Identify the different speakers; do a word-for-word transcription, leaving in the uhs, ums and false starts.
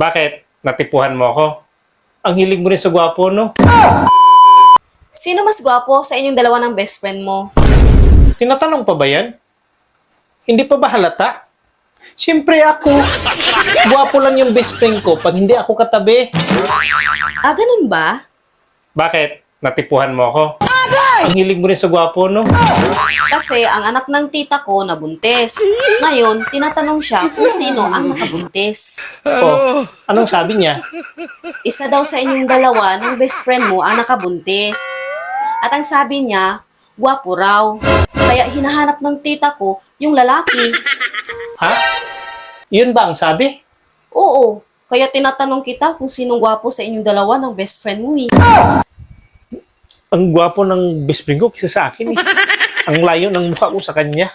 Speaker 1: Bakit? Natipuhan mo ako? Ang hilig mo rin sa gwapo, no?
Speaker 2: Sino mas gwapo sa inyong dalawa ng best friend mo?
Speaker 1: Tinatanong pa ba yan? Hindi pa ba halata? Siyempre ako. Gwapo lang yung best friend ko pag hindi ako katabi.
Speaker 2: Ah, ganun ba?
Speaker 1: Bakit? Natipuhan mo ako? Ang hilig mo rin sa gwapo, no?
Speaker 2: Kasi ang anak ng tita ko nabuntis. Ngayon, tinatanong siya kung sino ang nakabuntis.
Speaker 1: Oh, anong sabi niya?
Speaker 2: Isa daw sa inyong dalawa ng best friend mo ang nakabuntis. At ang sabi niya, gwapo raw. Kaya hinahanap ng tita ko yung lalaki.
Speaker 1: Ha? Yun ba ang sabi?
Speaker 2: Oo, kaya tinatanong kita kung sinong gwapo sa inyong dalawa ng best friend mo eh.
Speaker 1: Ang gwapo ng best friend ko kaysa sa akin eh. Ang layo ng mukha ko sa kanya.